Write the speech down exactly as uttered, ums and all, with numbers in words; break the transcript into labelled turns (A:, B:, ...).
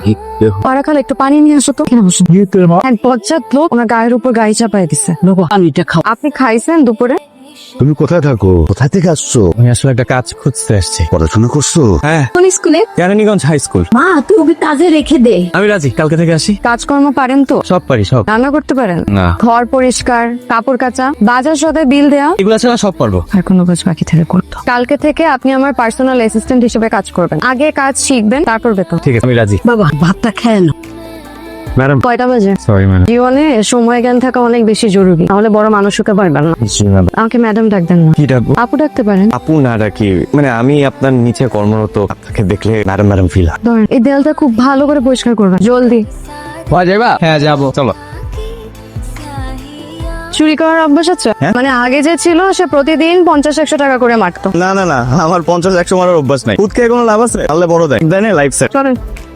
A: পাড়া খালা একটু পানি নিয়ে আসো তো। এক বজ্জাত লোক ওনার গায়ের উপর গাড়ি চাপাই দিছে।
B: পানিটা খাও।
A: আপনি খাইছেন দুপুরে?
C: তুমি কোথায় থাকো? কোথা থেকে আসছো?
D: আমি আসলে একটা কাজ খুঁজতে আসছি।
C: পড়াশোনা করছো?
D: হ্যাঁ,
B: কোন স্কুলে?
D: Keraniganj high school.
B: মা তুই ওকে কাজে রেখে দে।
D: আমি রাজি, কালকে থেকে আসি।
A: কাজকর্ম পারেন তো?
D: সব পারি, সব।
A: রান্না করতে পারেন?
D: না।
A: ঘর পরিষ্কার, কাপড় কাচা, বাজার সদায় বিল দেয়া,
D: এগুলা ছাড়া সব পারবো।
A: আর কোনো কাজ বাকি থেকে করতো। কালকে থেকে আপনি আমার পার্সোনাল অ্যাসিস্ট্যান্ট হিসেবে কাজ করবেন। আগে কাজ শিখবেন, তারপর বেতন।
D: ঠিক আছে, আমি রাজি।
B: বাবা ভাতটা খেয়ে নাও।
D: ম্যাডাম,
A: কয়টা বাজে?
D: Sorry madam.
A: জীবনে সময় জ্ঞান থাকা অনেক বেশি জরুরি, তাহলে বড় মানুষ হতে পারবেন না। আমাকে ম্যাডাম ডাকবেন না,
D: কি ডাকবো?
A: আপু ডাকতে পারেন।
D: আপু না ডাকি, মানে আমি আপনার নিচে কর্মরত, আপনাকে দেখলে ম্যাডাম ম্যাডাম ফিল হয়।
A: ধরেন এই দেয়ালটা খুব ভালো করে পরিষ্কার করবেন, জলদি।
D: যাবা? হ্যাঁ যাবো, চলো।
A: চুরি করার অভ্যাস আছে? মানে আগে যে ছিল সে প্রতিদিন পঞ্চাশ একশো টাকা করে মারতো।
D: না না না, আমার পঞ্চাশ একশো মারার অভ্যাস নাই। খুদ খেয়ে কোনো লাভ আছে? আল্লাহ বড় দেয়, দেয় না লাইফ সেট।
A: চলেন।